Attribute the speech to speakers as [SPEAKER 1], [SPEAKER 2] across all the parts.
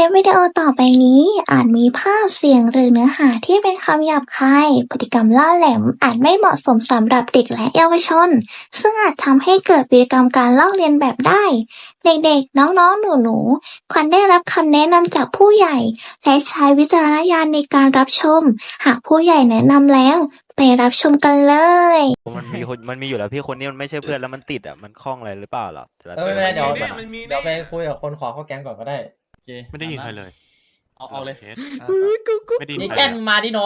[SPEAKER 1] ลิปวิดีโอต่อไปนี้อาจมีภาพเสียงหรือเนื้อหาที่เป็นคำหยาบคายพฤติกรรมล่าแหลมอาจไม่เหมาะสมสำหรับเด็กและเยาวชนซึ่งอาจทำให้เกิดพฤติกรรมการลอกเลียนแบบได้เด็กๆน้องๆหนูๆควรได้รับคำแนะนำจากผู้ใหญ่และใช้วิจารณญาณในการรับชมหากผู้ใหญ่แนะนำแล้วไปรับชมกันเลย
[SPEAKER 2] มันมีอยู่แล้วพี่คนนี้มันไม่ใช่เพื่อนแล้วมันติดอ่ะมันคล้องอะไรหรือเปล่าหรอแต่ละตัว
[SPEAKER 3] ไม่เป็นไรเดี๋ยว
[SPEAKER 2] มันอะ
[SPEAKER 3] เดี๋ยวไปคุยกับคนขอเข้าแก๊งก่อนก็ได้
[SPEAKER 4] โอเค
[SPEAKER 5] ไม่ได้ยินใครเลย
[SPEAKER 4] เอาเลย
[SPEAKER 5] เคสไม่ได้ยิน
[SPEAKER 3] นี่
[SPEAKER 5] ใคร
[SPEAKER 3] แก้น
[SPEAKER 5] เลย
[SPEAKER 3] มาดิน้อง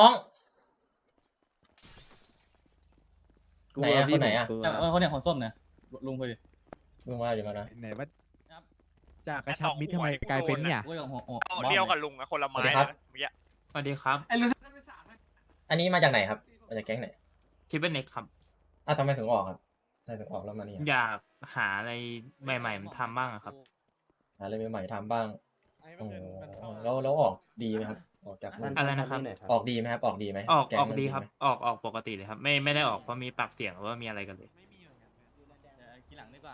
[SPEAKER 4] กลั
[SPEAKER 3] ไหน
[SPEAKER 4] ว
[SPEAKER 3] อะ
[SPEAKER 4] พี่
[SPEAKER 3] คนไหนอะ
[SPEAKER 4] ผมกลัวเขาเนี่ยของส้มเนี่ยลุงคุยดิ
[SPEAKER 3] ลุงมาอยู่มานะ
[SPEAKER 6] ไหนว่าจากกระชับมิตรทำไมกลายเป็นเนี่ย
[SPEAKER 4] คุยกับหัว
[SPEAKER 7] เอาเดียวกับลุงอะคนละไม้
[SPEAKER 3] สวัสดีครับ
[SPEAKER 7] นะเมื่อกี้
[SPEAKER 5] สวัสดีครับ
[SPEAKER 3] อันนี้มาจากไหนครับ มาจากแก๊งไหน
[SPEAKER 5] ทิปเปิลเน็กครับ
[SPEAKER 3] ทำไมถึงออกครับทำไมถึงออกแล้วมานี่
[SPEAKER 5] อยากหาอะไรใหม่ๆมาทำบ้างอะครับ
[SPEAKER 3] หาอะไรใหม่ๆทำบ้างแล้วออกดีไหมครับ ออกจาก
[SPEAKER 5] อะไรนะครับ
[SPEAKER 3] ออกดีไหมครับ ออกดีไหม
[SPEAKER 5] ออก
[SPEAKER 3] แก๊ง
[SPEAKER 5] ออก
[SPEAKER 3] มัน
[SPEAKER 5] ดีครับ
[SPEAKER 3] ไหม
[SPEAKER 5] ออกปกติเลยครับ ไม่ได้ออกเพราะมีปากเสียงหรือว่ามีอะไรกันเลย
[SPEAKER 4] ทีหลังดีกว่า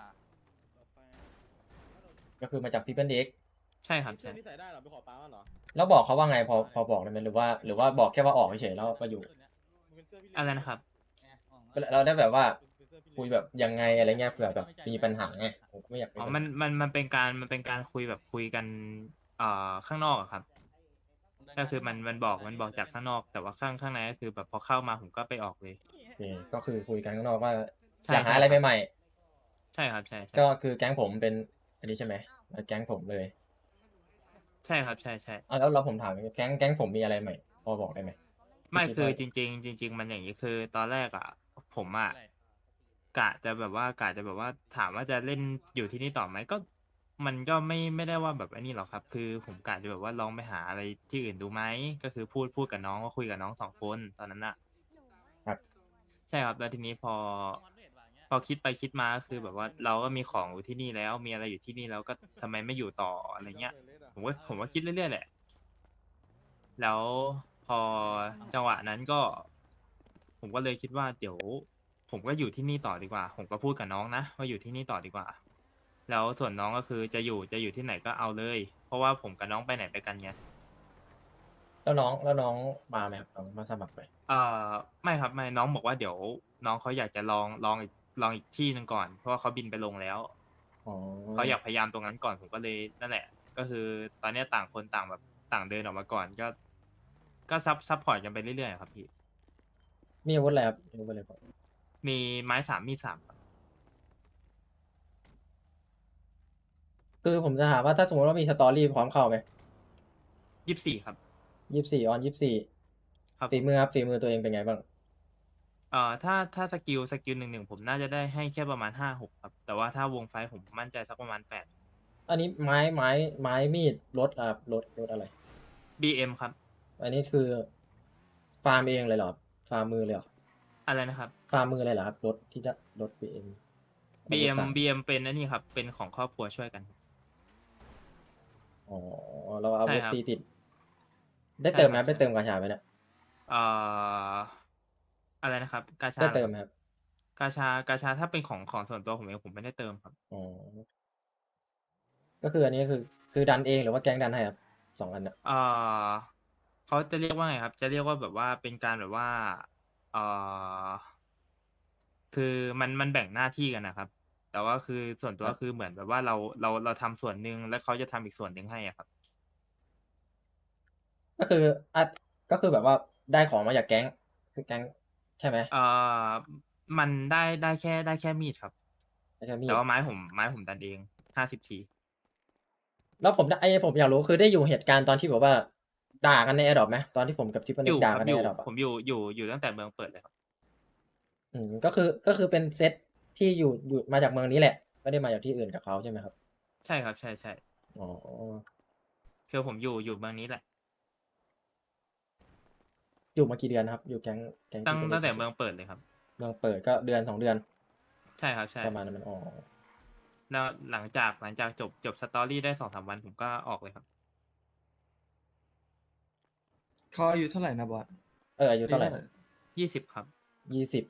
[SPEAKER 3] ก็คือมาจากที่เป็นเด็ก
[SPEAKER 5] ใช่ครับใช่
[SPEAKER 4] นี่ใส่ได้เหรอไปขอป้าเหรอ
[SPEAKER 3] แล้วบอกเขาว่าไงพอบอกได้ไหมหรือว่าบอกแค่ว่าออกเฉยๆแล้วก็อยู่
[SPEAKER 5] อะไรนะครับ
[SPEAKER 3] เราได้แบบว่าคุยแบบยังไงอะไรเงี้ยเผื่อแบบมีปัญหาไงผมไม่อยาก
[SPEAKER 5] อ๋อมันเป็นการคุยแบบคุยกันข้างนอกอะครับ ก็คือมันบอกจากข้างนอก แต่ว่าข้างในก็คือแบบพอเข้ามาผมก็ไปออกเลย
[SPEAKER 3] โอเคก็คือคุยกันข้างนอกว่า
[SPEAKER 5] ใช่
[SPEAKER 3] อยากหาอะไรใหม่
[SPEAKER 5] ใช่ครับใช่
[SPEAKER 3] ๆก็คือแก๊งผมเป็นอันนี้ใช่ไหมแก๊งผมเลย
[SPEAKER 5] ใช่ครับใช่
[SPEAKER 3] แล้วผมถามแก๊งผมมีอะไรใหม่พอบอกได้ไหม
[SPEAKER 5] ไม่
[SPEAKER 3] คิด
[SPEAKER 5] คือ
[SPEAKER 3] ว่า
[SPEAKER 5] จริงๆมันอย่างนี้คือตอนแรกอ่ะ ผมอ่ะกะจะแบบว่าถามว่าจะเล่นอยู่ที่นี่ต่อไหมก็ มันก็ไม่ได้ว่าแบบไอ้นี่หรอกครับ คือผมกะจะแบบว่าลองไปหาอะไรที่อื่นดูไหมก็คือพูดกับน้องว่าคุยกับน้อง2 คนตอนนั้นน่ะ
[SPEAKER 3] ครับ
[SPEAKER 5] ใช่ครับแล้วทีนี้พอคิดไปคิดมาก็คือแบบว่าเราก็มีของอยู่ที่นี่แล้ว มีอะไรอยู่ที่นี่แล้วก็ทำไมไม่อยู่ต่ออะไรเงี้ย ผมก็คิดเรื่อยๆแหละ แล้วพอจังหวะนั้นก็ ผมก็เลยคิดว่าเดี๋ยว ผมก็อยู่ที่นี่ต่อดีกว่า ผมก็พูดกับน้องนะว่าอยู่ที่นี่ต่อดีกว่า แล้วส่วนน้องก็คือจะอยู่ที่ไหนก็เอาเลย เพราะว่าผมกับน้องไปไหนไปกันไง
[SPEAKER 3] แล้วน้องมาไหมครับน้องมาสมัครไหม
[SPEAKER 5] ไม่ครับไม่น้องบอกว่าเดี๋ยวน้องเขาอยากจะลองอีกที่หนึ่งก่อน เพราะว่าเขาบินไปลงแล้ว
[SPEAKER 3] อ๋อ
[SPEAKER 5] เขาอยากพยายามตรงนั้นก่อนผมก็เลยนั่นแหละ ก็คือตอนเนี้ยต่างคนต่างแบบต่างเดินออกมาก่อนก็ซับพอร์ตกันไปเรื่อยๆครับพี่
[SPEAKER 3] มีอาวุธอะไรครับมีอาวุธอะไรครับ
[SPEAKER 5] มีไม้3มีด3ครับ
[SPEAKER 3] คือผมจะถามว่าถ้าสมมติว่ามีสตอรี่พร้อมเข้าไหม
[SPEAKER 5] 24ครับ
[SPEAKER 3] 24 on 24
[SPEAKER 5] ครับ
[SPEAKER 3] ฝีมือครับฝีมือตัวเองเป็นไงบ้าง
[SPEAKER 5] ถ้าสกิล1-1ผมน่าจะได้ให้แค่ประมาณ5-6ครับ แต่ว่าถ้าวงไฟท์ผมมั่นใจสักประมาณ8
[SPEAKER 3] อันนี้ไม้มีดรถครับรถอะไร
[SPEAKER 5] BM ครับ
[SPEAKER 3] อันนี้คือฟาร์มเองเลยเหรอครับฟาร์มมือเลยเหรอ
[SPEAKER 5] อะไรนะครับ
[SPEAKER 3] ฟาร์มมือเลยเหรอครับรถที่จะรถ BM
[SPEAKER 5] BM เป็นอันนี้ครับ เป็นของครอบครัวช่วยกัน
[SPEAKER 3] อ๋อเราเอา
[SPEAKER 5] ใช่
[SPEAKER 3] อาวุธ
[SPEAKER 5] ครับ
[SPEAKER 3] ตีติด ได้เติมไหม
[SPEAKER 5] ใช่ครับ
[SPEAKER 3] ได้เติมกาชาไหมเนี่ย
[SPEAKER 5] อะไรนะครับ กาชา
[SPEAKER 3] ได้
[SPEAKER 5] หรอ
[SPEAKER 3] เติมไหมครับ
[SPEAKER 5] กาชาถ้าเป็นของส่วนตัวผมเองผมไม่ได้เติมครับ
[SPEAKER 3] อ๋อก็คืออันนี้คือดันเองหรือว่าแก๊งดันให้ครับ2 อันน่ะ
[SPEAKER 5] เขาจะเรียกว่าไงครับ จะเรียกว่าแบบว่าเป็นการแบบว่าเอ่อคือมันแบ่งหน้าที่กันนะครับ แต่ว่าคือส่วนตัวคือเหมือนแบบว่าเราทำส่วนหนึ่งแล้วเขาจะทำอีกส่วนหนึ่งให้อะครับ
[SPEAKER 3] ก็คือก็คือแบบว่าได้ของมาจากแก๊งคือแก๊งใช่ไหม
[SPEAKER 5] มันได้แค่มีดครับ
[SPEAKER 3] ได้แค่มี
[SPEAKER 5] แต่
[SPEAKER 3] ด
[SPEAKER 5] ว่าไม้ผมดันเอง50 ที
[SPEAKER 3] แล้วผมผมอยากรู้คือได้อยู่เหตุการณ์ตอนที่แบบว่าด่ากันในแอร์ดรอปไหมตอนที่ผมกับทิปเปิล
[SPEAKER 5] อ
[SPEAKER 3] เน็ก
[SPEAKER 5] ยู่
[SPEAKER 3] ด่า
[SPEAKER 5] ค
[SPEAKER 3] กั
[SPEAKER 5] รั
[SPEAKER 3] น
[SPEAKER 5] บ
[SPEAKER 3] ใน
[SPEAKER 5] อ
[SPEAKER 3] แอยู่ ร์ดรอปอ่ะ
[SPEAKER 5] ผมอยู่ตั้งแต่เมืองเปิดเลยครับ
[SPEAKER 3] ก็คือเป็นเซตที่อยู่มาจากเมืองนี้แหละไม่ได้มาจากที่อื่นกับเขาใช่ไหมครับ
[SPEAKER 5] ใช่ครับใช่
[SPEAKER 3] อ๋อ
[SPEAKER 5] คือผมอยู่เมืองนี้แหละ
[SPEAKER 3] อยู่มากี่เดือนครับ อยู่แก๊งทิปเปิลเน็
[SPEAKER 5] ตั้
[SPEAKER 3] ก
[SPEAKER 5] งแต่เมืองเปิดเลยครับ
[SPEAKER 3] เมืองเปิดก็เดือน2 เดือน
[SPEAKER 5] ใช่ครับใช่
[SPEAKER 3] ประมาณนั้นมันอ๋อ
[SPEAKER 5] แล้วหลังจากจบสตอรี่ได้2-3 วันผมก็ออกเลยครับ
[SPEAKER 4] เขาอายุเท่าไหร่นะบอส
[SPEAKER 3] อายุเท่าไหร่
[SPEAKER 5] 20 ครับ
[SPEAKER 3] 20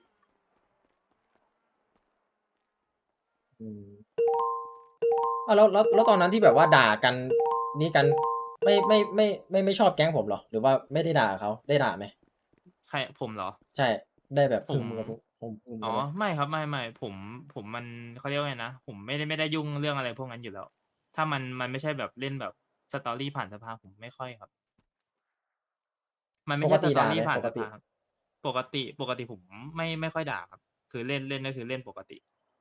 [SPEAKER 3] แล้วตอนนั้นที่แบบว่าด่ากันนี่กันไม่ชอบแก๊งผมเหรอหรือว่าไม่ได้ด่าเขาได้ด่าไหม
[SPEAKER 5] ใครผมเหรอ
[SPEAKER 3] ใช่ได้แบบ
[SPEAKER 5] ผ
[SPEAKER 3] พึ
[SPEAKER 5] ม
[SPEAKER 3] มกับพึม
[SPEAKER 5] อ๋อ
[SPEAKER 3] กันไหม
[SPEAKER 5] ไม่ครับไม่ผมมันเขาเรียกว่าไงนะผมไม่ได้ยุ่งเรื่องอะไรพวกนั้นอยู่แล้ว ถ้ามันไม่ใช่แบบเล่นแบบสตอรี่ผ่านสภาผมไม่ค่อยครับ มันไม่
[SPEAKER 3] ปก
[SPEAKER 5] ใช่ส
[SPEAKER 3] ติ
[SPEAKER 5] ตอ
[SPEAKER 3] ด่าไห
[SPEAKER 5] รี่
[SPEAKER 3] ม
[SPEAKER 5] ผ่าน
[SPEAKER 3] ปก
[SPEAKER 5] ส
[SPEAKER 3] ติ
[SPEAKER 5] ภาครับปกติผมไม่ค่อยด่าครับ คือเล่นก็คือเล่นปกติ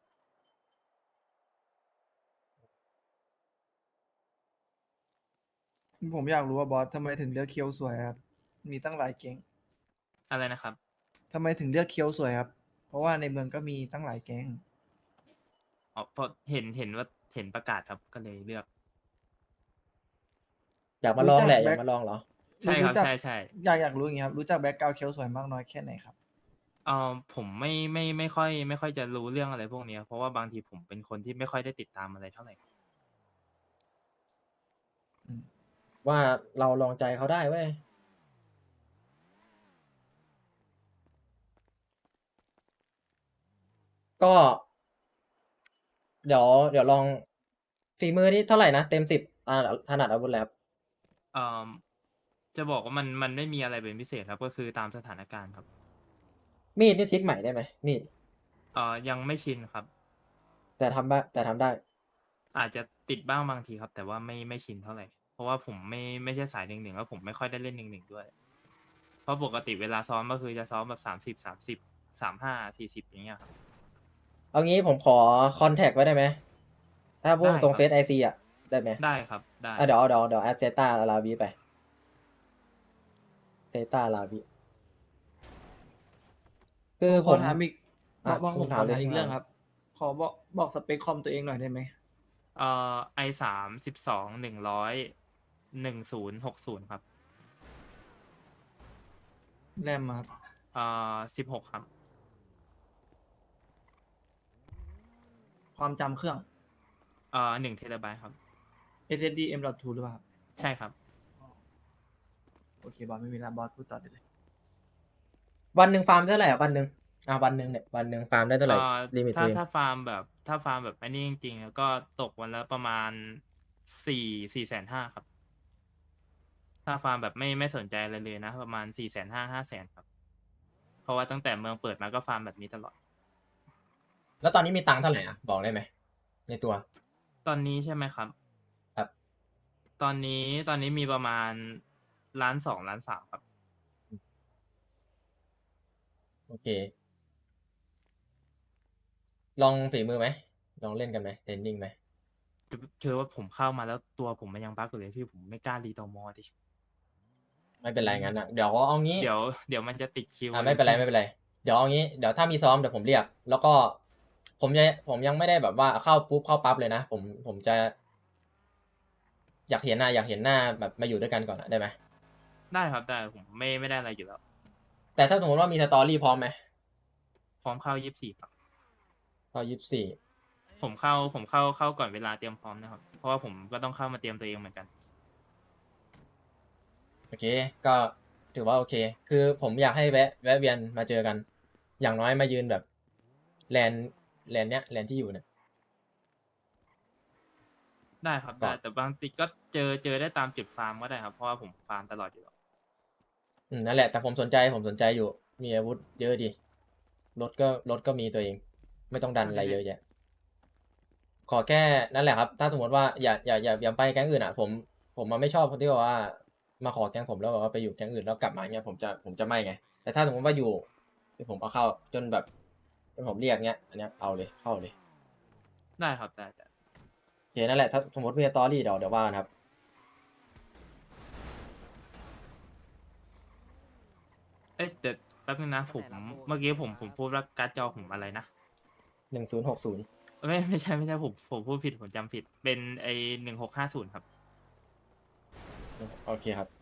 [SPEAKER 4] ผมอยากรู้ว่าบอสทำไมถึงเลือกเคียวสวยครับ มีตั้งหลายแก๊ง
[SPEAKER 5] อะไรนะครับ
[SPEAKER 4] ทำไมถึงเลือกเคียวสวยครับ เพราะว่าในเมืองก็มีตั้งหลายแก๊ง
[SPEAKER 5] อ๋อเพราะเห็นว่าเห็นประกาศครับก็เลยเลือก
[SPEAKER 3] อยากมาลองแหละ
[SPEAKER 4] รู้
[SPEAKER 3] อ
[SPEAKER 4] จัก
[SPEAKER 3] ยากมาลองเหรอ
[SPEAKER 5] ใช่ครับ
[SPEAKER 4] จัก
[SPEAKER 5] ใช่
[SPEAKER 4] อยากรู้อย่างเงี้ยครับ รู้จักแบ็กกราวด์เคียวสวยมากน้อยแค่ไหนครับ
[SPEAKER 5] ผมไม่ค่อยจะรู้เรื่องอะไรพวกเนี้ยเพราะว่าบางทีผมเป็นคนที่ไม่ค่อยได้ติดตามอะไรเท่าไหร่
[SPEAKER 3] ว่าเราลองใจเขาได้เว้ยก็ เดี๋ยวลองฝีมือนี่เท่าไหร่นะเต็ม10ถนัดอาวุธแล้ว
[SPEAKER 5] เอ่อจะบอกว่ามันไม่มีอะไรเป็นพิเศษครับก็คือตามสถานการณ์ครับ
[SPEAKER 3] มีดนี่ทริกใหม่ได้ไหมมีด
[SPEAKER 5] ยังไม่ชินครับ
[SPEAKER 3] แต่ทำได้
[SPEAKER 5] อาจจะติดบ้างบางทีครับ แต่ว่าไม่ชินเท่าไหร่เพราะว่าผมไม่ใช่สาย1-1แล้วผมไม่ค่อยได้เล่น1-1ด้วย เพราะปกติเวลาซ้อมก็คือจะซ้อมแบบ30 35 40อย่างเงี้ยครับ
[SPEAKER 3] เอางี้ผมขอคอนแทคไว้ได้ไหมถ้าพูด
[SPEAKER 5] ได้
[SPEAKER 3] ตรง
[SPEAKER 5] ครับ
[SPEAKER 3] เฟซไอซีอ่ะได้ไหม
[SPEAKER 5] ได้ครับได้
[SPEAKER 3] เดี๋ยวแอดเซต้าลาวีไปเซต้าลาวีคือผม
[SPEAKER 4] ถามอีก
[SPEAKER 3] อ่ะ
[SPEAKER 4] บอกผม
[SPEAKER 3] คุณ
[SPEAKER 4] ข
[SPEAKER 3] ถา
[SPEAKER 4] อ
[SPEAKER 3] มเลย
[SPEAKER 4] ถามอีก
[SPEAKER 3] คุณ
[SPEAKER 4] เรื่อง
[SPEAKER 3] ถาม
[SPEAKER 4] ครับ ขอบอกสเปคคอมตัวเองหน่อยได้ไหม
[SPEAKER 5] i3 12 100 1060ครับ
[SPEAKER 4] แรมอะครับ
[SPEAKER 5] 16ครับ
[SPEAKER 4] ความจำเครื่อง
[SPEAKER 5] 1 TB ครับ
[SPEAKER 4] SSD M.2 หรือเปล่าครับ
[SPEAKER 5] ใช่ครับ
[SPEAKER 4] โอเคบอสไม่มีแล้วบอสพูดต่อได้เลย
[SPEAKER 3] วันหนึ่งฟาร์มเท่าไหร่อ่ะวันหนึ่งวันหนึ่งเนี่ยวันหนึ่งฟาร์มได้เท่าไหร่ลิมิตตัวเอง
[SPEAKER 5] ถ้าฟาร์มแบบอันนี้จริงๆแล้วก็ตกวันละประมาณ4,500,000ครับ ถ้าฟาร์มแบบไม่สนใจอะไรเลยนะ ประมาณ4,500,000 500,000ครับ เพราะว่าตั้งแต่เมืองเปิดมาก็ฟาร์มแบบนี้ตลอด
[SPEAKER 3] แล้วตอนนี้มีตังค์เท่าไหร่อ่ะบอกได้ไหมในตัว
[SPEAKER 5] ตอนนี้ใช่ไหมครับ
[SPEAKER 3] ครับ
[SPEAKER 5] ตอนนี้มีประมาณ1.2 1.3 ครับ
[SPEAKER 3] โอเค ลองฝีมือไหมลองเล่นกันไหมเทรนนิ่งไหม
[SPEAKER 5] คือว่าผมเข้ามาแล้วตัวผมมันยังบั๊กอยู่เลยพี่ผมไม่กล้ารีตอมอดิ
[SPEAKER 3] ไม่เป็นไรงั้นอ่ะเดี๋ยวเอางี้
[SPEAKER 5] เดี๋ยวมันจะติดคิว
[SPEAKER 3] ไม่เป็นไรไม่เป็นไรเดี๋ยวเอางี้เดี๋ยวถ้ามีซ้อมเดี๋ยวผมเรียก แล้วก็ผมยังไม่ได้แบบว่าเข้าปุ๊บเข้าปั๊บเลยนะผมจะ อยากเห็นหน้าแบบมาอยู่ด้วยกันก่อนอะได้ไหม
[SPEAKER 5] ได้ครับได้ผมไม่ได้อะไรอยู่แล้ว
[SPEAKER 3] แต่ถ้าสมมติว่ามีสตอรี่พร้อมไหม
[SPEAKER 5] พร้อมเข้า24ครับ
[SPEAKER 3] ก็24
[SPEAKER 5] ผมเข้าก่อนเวลาเตรียมพร้อมนะครับ เพราะว่าผมก็ต้องเข้ามาเตรียมตัวเองเหมือนกัน
[SPEAKER 3] โอเค ก็ถือว่าโอเค คือผมอยากให้แวะเวียนมาเจอกัน อย่างน้อยมายืนแบบแลนเนี้ยแลนที่อยู่เนี่ย
[SPEAKER 5] ได้ครับ
[SPEAKER 3] ก่
[SPEAKER 5] ได้
[SPEAKER 3] อน
[SPEAKER 5] แต่บางทีก็เจอได้ตามจุดฟาร์มก็ได้ครับเพราะว่าผมฟาร์มตลอดอยู่แล้ว
[SPEAKER 3] นั่นแหละแต่ผมสนใจอยู่ มีอาวุธเยอะดีรถก็มีตัวเอง ไม่ต้องดันอะไรเยอะแยะ ขอแค่นั่นแหละครับ ถ้าสมมติว่าอย่าไปแก๊งอื่นอ่ะ ผมมันไม่ชอบคนที่แบบว่า มาขอแก๊งผมแล้วแบบว่าไปอยู่แก๊งอื่นแล้วกลับมาเงี้ยผมจะไม่ไง แต่ถ้าสมมติว่าอยู่ผมเอาเข้าจนแบบจนผมเรียกเงี้ย อันเนี้ยเอาเลยเข้าเลย
[SPEAKER 5] ได้ครับได้
[SPEAKER 3] โอเคนั่นแหละถ้าสมมติมีสตอรี่เดี๋ยวว่ากันครับ
[SPEAKER 5] เอ๊ะเดี๋ยวแป๊บนึงนะผมเมื่อกี้ผมพูดว่าการ์ดจอผมอะไรนะ
[SPEAKER 3] 1060
[SPEAKER 5] ไม่ใช่ผมพูดผิดผมจำผิดเป็นไอ1650ครับ
[SPEAKER 3] โอเคครับ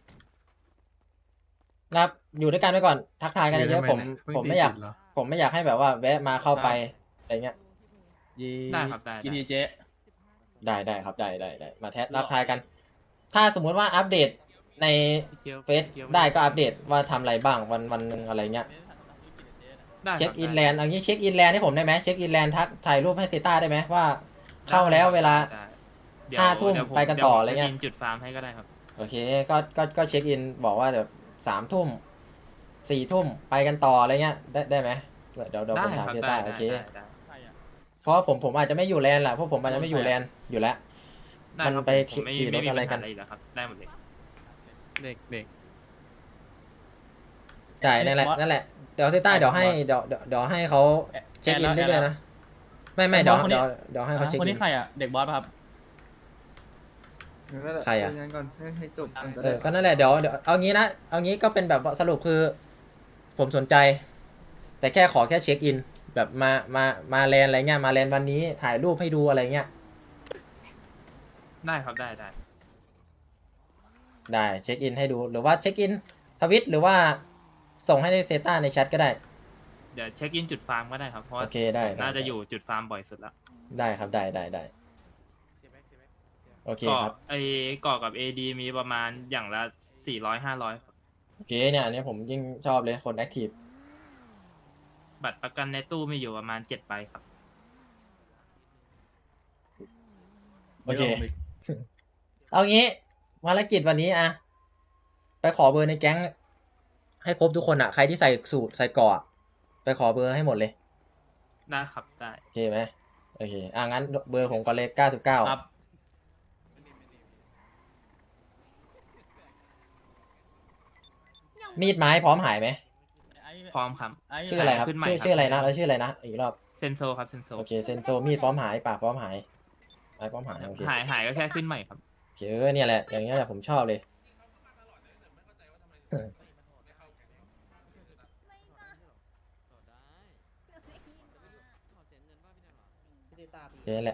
[SPEAKER 3] นะครับอยู่ด้วยกันไปก่อนทักทายกันเยอะๆผมไม่อยากให้แบบว่าแวะมาเข้าไปอะไรเงี้ย
[SPEAKER 5] ได้ครับได้
[SPEAKER 4] กินดีเจ
[SPEAKER 3] ได้ครับได้มาทักทายกัน ถ้าสมมุติว่าอัปเดตในเฟซได้ก็อัปเดตว่าทำอะไรบ้างวันหนึ่งอะไรเงี้ย
[SPEAKER 5] ได้ครับ
[SPEAKER 3] เช็คอิน
[SPEAKER 5] ได้
[SPEAKER 3] แลนด์เอางี้เช็คอินแลนด์ให้ผมได้ไหมเช็คอินแลนด์ทักถ่ายรูปให้เซต้าได้ไหมว่า เข้าแล้วเวลา
[SPEAKER 5] ได้เดี๋ยว
[SPEAKER 3] 5 ทุ่ม
[SPEAKER 5] เดี๋ยวผม
[SPEAKER 3] ไปกันต่ออะไรเงี้ย
[SPEAKER 5] ดี๋วผมจบินจุดฟาร์มให้ก็ได้ครับ
[SPEAKER 3] โอเคก็เช็คอินบอกว่าแบบ3 ทุ่ม 4 ทุ่มไปกันต่ออะไรเงี้ยได้ไหมเดี๋ยว
[SPEAKER 5] ได้
[SPEAKER 3] ผมถาม
[SPEAKER 5] ครับ
[SPEAKER 3] เซ
[SPEAKER 5] ได้
[SPEAKER 3] ต้า
[SPEAKER 5] ได้
[SPEAKER 3] โอเค
[SPEAKER 5] ได้
[SPEAKER 3] เพราะผมอาจจะไม่อยู่แลนด์แหละเพราะผมอาจจะไม่อยู่แลนด์อยู่แล้ว
[SPEAKER 5] ได้
[SPEAKER 3] มัน
[SPEAKER 5] ครับ
[SPEAKER 3] ไป
[SPEAKER 5] ผมไม่
[SPEAKER 3] ขี่รถ
[SPEAKER 5] มี
[SPEAKER 3] อะไร
[SPEAKER 5] ปัญ
[SPEAKER 3] กั
[SPEAKER 5] หาน อะไรอยู่แล้วครับ ได้หมดเลย
[SPEAKER 6] เด็กเด็ก
[SPEAKER 3] ใช่นั่นแหละเดี๋ยวเซต้าเดี๋ยวให้เขาเช็คอินเรื่อยๆนะไม่เดี๋ยวให้เขาเช็ค
[SPEAKER 7] คน
[SPEAKER 3] อิ
[SPEAKER 7] นี้
[SPEAKER 3] น
[SPEAKER 7] ใครอ่ะ เด็กบอสป่ะครับ
[SPEAKER 4] นั่นแหละ
[SPEAKER 3] ใครอะ
[SPEAKER 4] คุยงานก่อนให้จบก่อนก็
[SPEAKER 3] เอ
[SPEAKER 4] ได้
[SPEAKER 3] อก็นั่นแหละเดี๋ยวเอางี้นะเอางี้ก็เป็นแบบสรุปคือ ผมสนใจ แต่แค่ขอแค่เช็คอิน แบบมาแลนด์อะไรเงี้ยมาแลนด์วันนี้ถ่ายรูปให้ดูอะไรเงี้ย
[SPEAKER 5] ได้ครับได้
[SPEAKER 3] ได้เช็คอินให้ดูหรือว่าเช็คอินทวิตหรือว่าส่งให้ในเซต้าในแชทก็ได้
[SPEAKER 5] เดี๋ยวเช็คอินจุดฟาร์มก็ได้ครับ เพราะว่า
[SPEAKER 3] โอเคได้
[SPEAKER 5] ผมน่า
[SPEAKER 3] ได้
[SPEAKER 5] จะอยู่จุดฟาร์มบ่อยสุดแล้ว
[SPEAKER 3] ได้ครับได้โอเค
[SPEAKER 5] เกาะ
[SPEAKER 3] ครับ
[SPEAKER 5] ไอ้เกาะกับ AD มีประมาณอย่างละ400-500ครับ
[SPEAKER 3] โอเคเนี่ยอันนี้ผมยิ่งชอบเลยคนแอคทีฟ
[SPEAKER 5] บัตรประกันในตู้มีอยู่ประมาณ7ใบครับ
[SPEAKER 3] โอเค เอางี้ภารกิจวันนี้อะไปขอเบอร์ในแก๊ง ให้ครบทุกคนอะใครที่ใส่สูทใส่เกราะอะไปขอเบอร์ให้หมดเลย
[SPEAKER 5] ได้ครับได้
[SPEAKER 3] โอเคไหมโอเคงั้นเบอร์ผมก็เลย99
[SPEAKER 7] ครับ
[SPEAKER 3] มีดไม้พร้อมหายไหม
[SPEAKER 5] พร้อมครับ
[SPEAKER 3] ชื่ออะไรครับ
[SPEAKER 5] ขึ้นใหม่
[SPEAKER 3] ชื่ออะไรนะแล้วชื่ออะไรนะอีกรอบ
[SPEAKER 5] เซนโซครับเซนโซ
[SPEAKER 3] โอเคเซนโซมีดพร้อมหายปากพร้อมหายไม้พร้อมหายโอเค
[SPEAKER 5] หายก็แค่ขึ้นใหม่ครับ
[SPEAKER 3] โอเคเนี่ยแหละอย่างเงี้ยแหละผมชอบเลยโอเคแหละ